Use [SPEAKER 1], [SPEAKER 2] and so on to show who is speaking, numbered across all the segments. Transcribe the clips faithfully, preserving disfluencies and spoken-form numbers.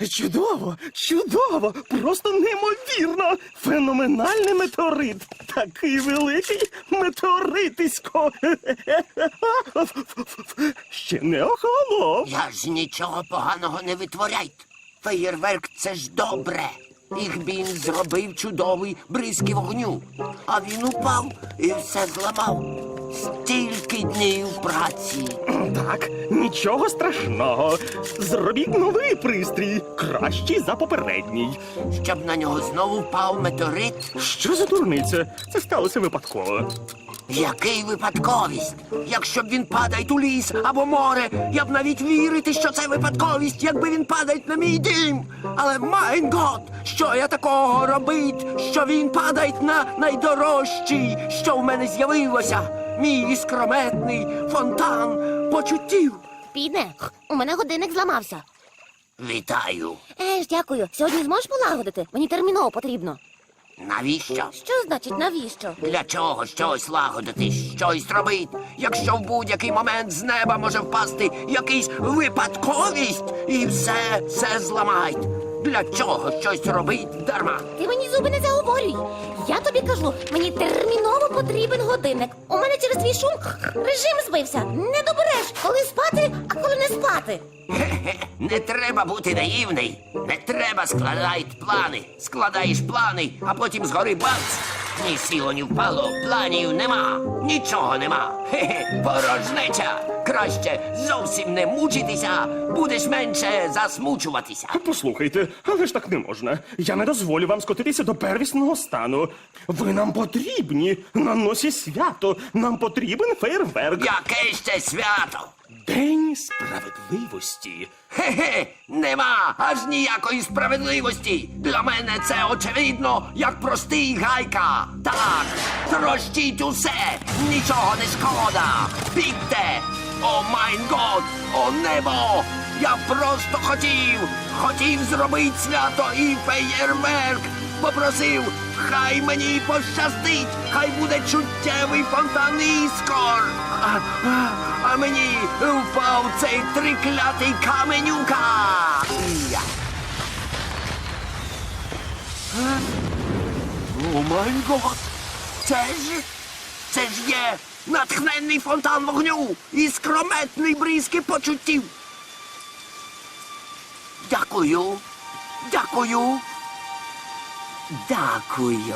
[SPEAKER 1] Чудово, чудово, просто неймовірно. Феноменальний метеорит. Такий великий метеоритисько. Ще не охолонув.
[SPEAKER 2] Я ж нічого поганого не витворяйте. Феєрверк – це ж добре. Ігбін зробив чудовий бризки вогню. А він упав і все зламав. Стільки днів праці.
[SPEAKER 1] Так, нічого страшного. Зробіть новий пристрій, кращий за попередній.
[SPEAKER 2] Щоб на нього знову впав метеорит.
[SPEAKER 1] Що за дурниця? Це сталося випадково.
[SPEAKER 2] Який випадковість? Якщо б він падає у ліс або море, я б навіть вірити, що це випадковість, якби він падає на мій дім. Але, майн гот, що я такого робить, що він падає на найдорожчий, що в мене з'явилося? Мій іскрометний фонтан почуттів.
[SPEAKER 3] Піде, у мене годинник зламався.
[SPEAKER 2] Вітаю.
[SPEAKER 3] Еж, дякую. Сьогодні зможеш полагодити? Мені терміново потрібно.
[SPEAKER 2] Навіщо?
[SPEAKER 3] Що значить навіщо?
[SPEAKER 2] Для чого щось лагодити, щось робити, якщо в будь-який момент з неба може впасти якийсь випадковість і все, все зламають? Для чого щось робить дарма?
[SPEAKER 3] Ти мені зуби не заговорюй. Я тобі кажу, мені терміново потрібен годинник. У мене через твій шум режим збився. Не добереш, коли спати, а коли не спати.
[SPEAKER 2] Хе-хе, не треба бути наївний. Не треба складати плани. Складаєш плани, а потім згори бац. Ні сіло, ні впало, планів нема, нічого нема. Хе-хе, порожнеча. Краще зовсім не мучитися, будеш менше засмучуватися.
[SPEAKER 1] Послухайте, але ж так не можна. Я не дозволю вам скотитися до первісного стану. Ви нам потрібні. На носі свято. Нам потрібен фейерверк.
[SPEAKER 2] Яке ще свято?
[SPEAKER 1] День справедливості.
[SPEAKER 2] Хе-хе, нема аж ніякої справедливості. Для мене це очевидно, як простий гайка. Так, трощіть усе, нічого не шкода. Бігте! О майн год, о небо! Я просто хотів, хотів зробити свято і феєрверк. Попросив, хай мені пощастить, хай буде чуттєвий фонтан іскор. А, а, а мені впав цей триклятий каменюка. Я. Е? О май гот! Це ж, це ж є натхненний фонтан вогню і скрометний бризки почуттів. Дякую, дякую. Дякую.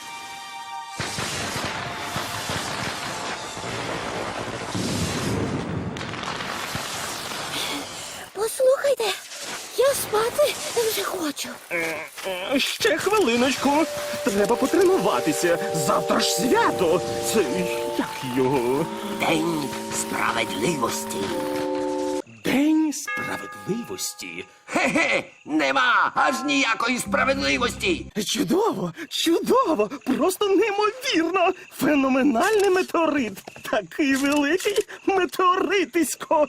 [SPEAKER 3] Послухайте, я спати вже хочу.
[SPEAKER 1] Е, Ще хвилиночку. Треба потренуватися. Завтра ж свято. Це як його?
[SPEAKER 2] День справедливості.
[SPEAKER 1] День справедливості.
[SPEAKER 2] Хе-хе, нема аж ніякої справедливості.
[SPEAKER 1] Чудово, чудово, просто неймовірно. Феноменальний метеорит. Такий великий метеоритисько.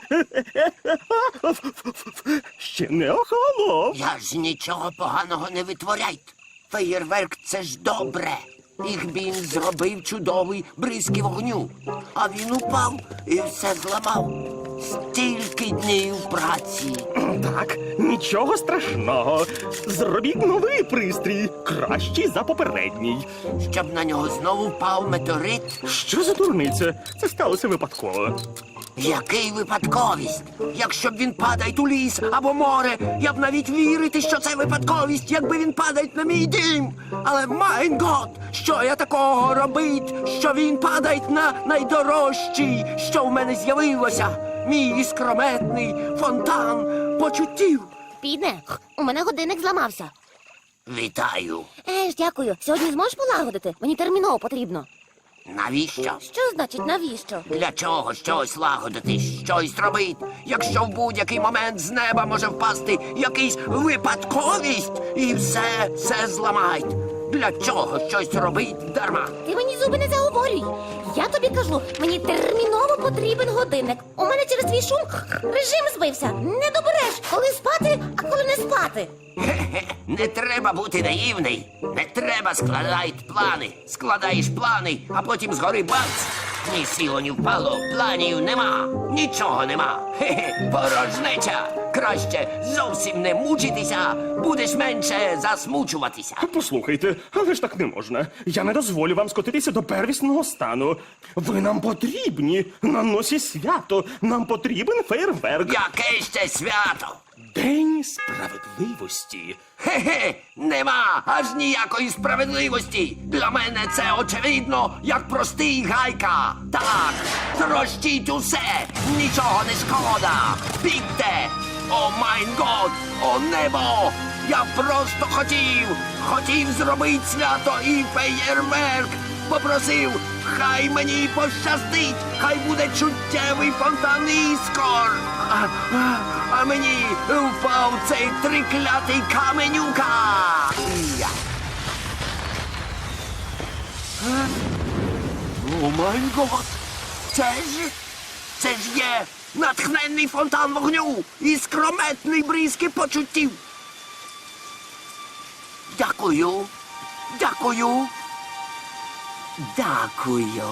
[SPEAKER 1] Ще не охолонув.
[SPEAKER 2] Я ж нічого поганого не витворяйте. Феєрверк – це ж добре. Ігбін зробив чудовий бризки вогню. А він упав і все зламав. Стільки днів праці.
[SPEAKER 1] Так, нічого страшного. Зробіть новий пристрій, кращий за попередній.
[SPEAKER 2] Щоб на нього знову впав метеорит.
[SPEAKER 1] Що за дурниця? Це сталося випадково.
[SPEAKER 2] Який випадковість? Якщо б він падає у ліс або море, я б навіть вірити, що це випадковість, якби він падає на мій дім. Але, майн гот, що я такого робить, що він падає на найдорожчий, що в мене з'явилося? Мій іскрометний фонтан почуттів.
[SPEAKER 3] Піде, у мене годинник зламався.
[SPEAKER 2] Вітаю.
[SPEAKER 3] Еж, дякую. Сьогодні зможеш полагодити? Мені терміново потрібно.
[SPEAKER 2] Навіщо?
[SPEAKER 3] Що значить навіщо?
[SPEAKER 2] Для чого щось лагодити, щось робити, якщо в будь-який момент з неба може впасти якийсь випадковість і все, все зламають? Для чого щось робить дарма?
[SPEAKER 3] Ти мені зуби не заговорюй. Я тобі кажу, мені терміново потрібен годинник. У мене через твій шум режим збився. Не добереш, коли спати, а коли не спати.
[SPEAKER 2] Хе-хе, не треба бути наївний. Не треба складати плани. Складаєш плани, а потім згори бац. Ні сіло, ні впало, планів нема, нічого нема. Хе-хе, порожнеча. Краще зовсім не мучитися, будеш менше засмучуватися.
[SPEAKER 1] Послухайте, але ж так не можна. Я не дозволю вам скотитися до первісного стану. Ви нам потрібні на носі свято. Нам потрібен фейерверк.
[SPEAKER 2] Яке ще свято?
[SPEAKER 1] День справедливості.
[SPEAKER 2] Хе-хе, нема аж ніякої справедливості. Для мене це очевидно, як простий гайка. Так, трощіть усе, нічого не шкода. Бігте! О майн год, о небо! Я просто хотів, хотів зробити свято і феєрверк. Попросив, хай мені пощастить, хай буде чуттєвий фонтан іскор. А, а, а мені впав цей триклятий каменюка. Я. Е? О май гот! Це ж, це ж є натхненний фонтан вогню і скрометний бризки почуттів. Дякую, дякую. Дякую.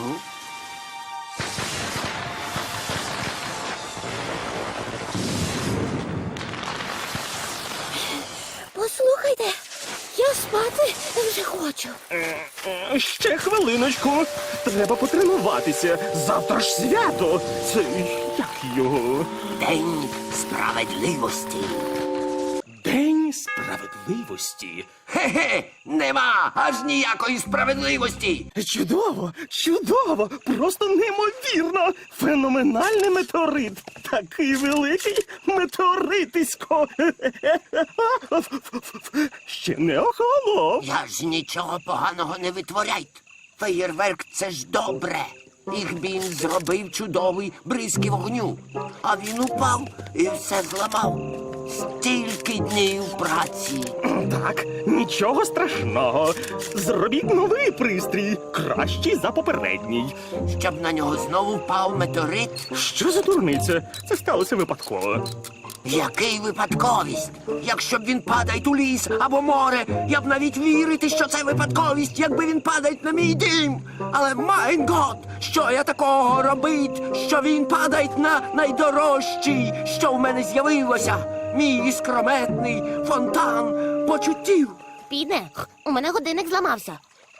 [SPEAKER 3] Послухайте, я спати вже хочу.
[SPEAKER 1] Е, Ще хвилиночку. Треба потренуватися. Завтра ж свято. Це як його?
[SPEAKER 2] День справедливості.
[SPEAKER 1] День справедливості.
[SPEAKER 2] Хе-хе, нема аж ніякої справедливості.
[SPEAKER 1] Чудово, чудово, просто неймовірно. Феноменальний метеорит. Такий великий метеоритисько. Ще не охолонув.
[SPEAKER 2] Я ж нічого поганого не витворяйте. Феєрверк — це ж добре. Їх він зробив чудовий бризки вогню. А він упав і все зламав. Стільки днів праці.
[SPEAKER 1] Так, нічого страшного. Зробіть новий пристрій, кращий за попередній.
[SPEAKER 2] Щоб на нього знову впав метеорит.
[SPEAKER 1] Що за дурниця? Це сталося випадково.
[SPEAKER 2] Який випадковість? Якщо б він падає у ліс або море, я б навіть вірити, що це випадковість, якби він падає на мій дім. Але майн гот, що я такого робить, що він падає на найдорожчий, що в мене з'явилося? Мій іскрометний фонтан почуттів.
[SPEAKER 3] Піде, у мене годинник зламався.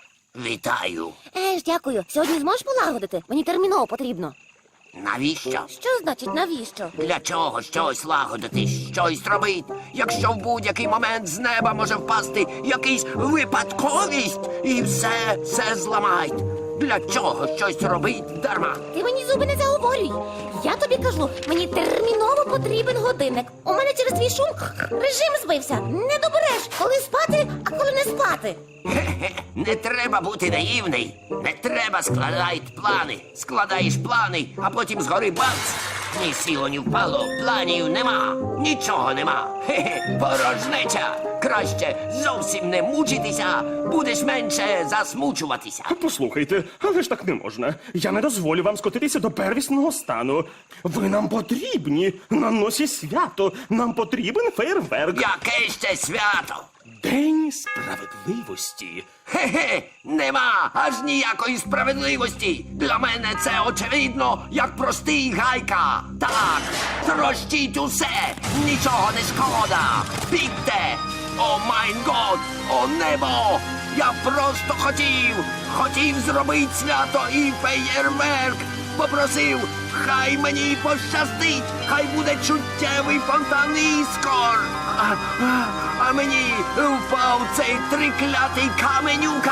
[SPEAKER 2] Вітаю.
[SPEAKER 3] Е, ж дякую. Сьогодні зможеш полагодити? Мені терміново потрібно.
[SPEAKER 2] Навіщо?
[SPEAKER 3] Що значить навіщо?
[SPEAKER 2] Для чого щось лагодити, щось робить, якщо в будь-який момент з неба може впасти якийсь випадковість і все, все зламають. Для чого щось робить дарма?
[SPEAKER 3] Ти мені зуби не заговорюй. Я тобі кажу, мені терміново потрібен годинник. У мене через твій шум режим збився. Не добереш, коли спати, а коли не спати.
[SPEAKER 2] Хе-хе, не треба бути наївний. Не треба складати плани. Складаєш плани, а потім згори бац. Ні сіло, ні впало, планів нема, нічого нема. Хе-хе, порожнеча. Краще зовсім не мучитися, будеш менше засмучуватися.
[SPEAKER 1] Послухайте, але ж так не можна. Я не дозволю вам скотитися до первісного стану. Ви нам потрібні на носі свято. Нам потрібен фейерверк.
[SPEAKER 2] Яке ще свято?
[SPEAKER 1] День справедливості.
[SPEAKER 2] Хе-хе, нема аж ніякої справедливості. Для мене це очевидно, як простий гайка. Так, трощіть усе, нічого не шкода. Бігте! О майн год, о небо! Я просто хотів, хотів зробити свято і феєрверк. Попросив, хай мені пощастить, хай буде чуттєвий фонтан іскор. А, а, а мені впав цей триклятий каменюка.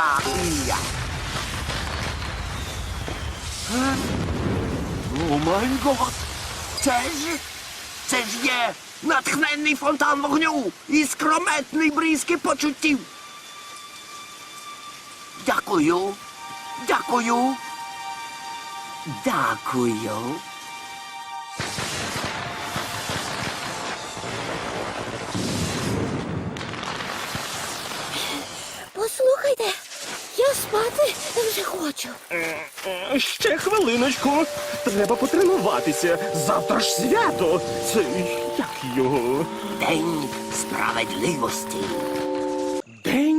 [SPEAKER 2] Я. Е? О май гот! Це ж, це ж є натхненний фонтан вогню і скрометний бризки почуттів. Дякую, дякую. Дякую.
[SPEAKER 3] Послухайте, я спати вже хочу.
[SPEAKER 1] Е, Ще хвилиночку. Треба потренуватися. Завтра ж свято. Це як його?
[SPEAKER 2] День справедливості.
[SPEAKER 1] День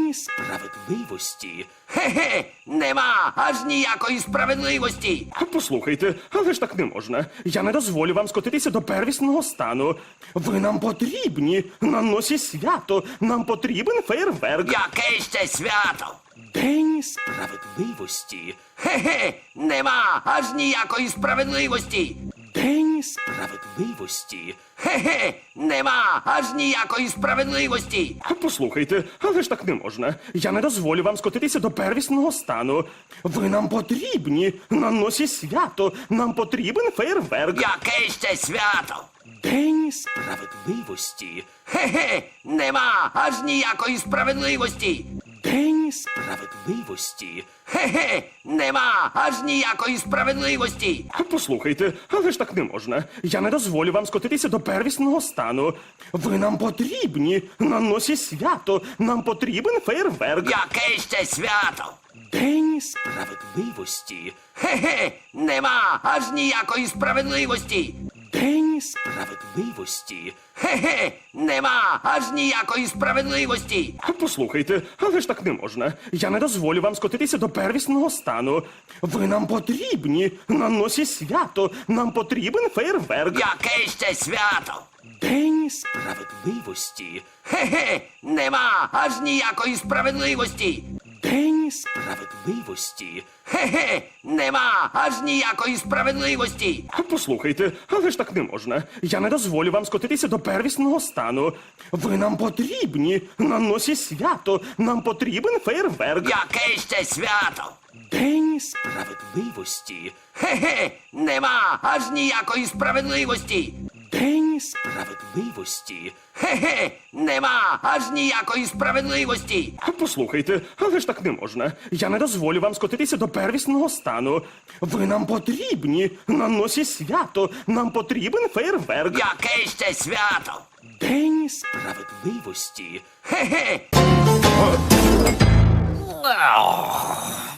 [SPEAKER 2] День справедливості. Хе-хе, нема аж ніякої справедливості.
[SPEAKER 1] Послухайте, але ж так не можна. Я не дозволю вам скотитися до первісного стану. Ви нам потрібні на носі свято. Нам потрібен фейерверк.
[SPEAKER 2] Яке ще свято?
[SPEAKER 1] День
[SPEAKER 2] Справедливості. Хе-хе, нема аж ніякої справедливості.
[SPEAKER 1] День
[SPEAKER 2] Справедливості. Хе-хе, нема аж ніякої справедливості.
[SPEAKER 1] Послухайте, але ж так не можна. Я не дозволю вам скотитися до первісного стану. Ви нам потрібні на носі свято. Нам потрібен фейерверк.
[SPEAKER 2] Яке ще свято?
[SPEAKER 1] День
[SPEAKER 2] Справедливості. Хе-хе, нема аж ніякої справедливості.
[SPEAKER 1] День
[SPEAKER 2] Справедливості. Хе-хе, нема аж ніякої справедливості.
[SPEAKER 1] Послухайте, але ж так не можна. Я не дозволю вам скотитися до первісного стану. Ви нам потрібні на носі свято. Нам потрібен фейерверк.
[SPEAKER 2] Яке ще свято?
[SPEAKER 1] День
[SPEAKER 2] Справедливості. Хе-хе, нема аж ніякої справедливості.
[SPEAKER 1] День
[SPEAKER 2] Справедливості. Хе-хе, нема аж ніякої справедливості.
[SPEAKER 1] Послухайте, але ж так не можна. Я не дозволю вам скотитися до первісного стану. Ви нам потрібні на носі свято. Нам потрібен фейерверк.
[SPEAKER 2] Яке ще свято?
[SPEAKER 1] День
[SPEAKER 2] Справедливості. Хе-хе, нема аж ніякої справедливості.
[SPEAKER 1] День
[SPEAKER 2] Справедливості. Хе-хе, нема аж ніякої справедливості.
[SPEAKER 1] Послухайте, але ж так не можна. Я не дозволю вам скотитися до первісного стану. Ви нам потрібні на носі свято. Нам потрібен фейерверк.
[SPEAKER 2] Яке ще свято?
[SPEAKER 1] День
[SPEAKER 2] Справедливості. Хе-хе, нема аж ніякої справедливості.
[SPEAKER 1] День
[SPEAKER 2] Справедливості. Хе-хе, нема аж ніякої справедливості.
[SPEAKER 1] Послухайте, але ж так не можна. Я не дозволю вам скотитися до первісного стану. Ви нам потрібні на носі свято. Нам потрібен фейерверк.
[SPEAKER 2] Яке ще свято?
[SPEAKER 1] День
[SPEAKER 2] Справедливості. Хе-хе.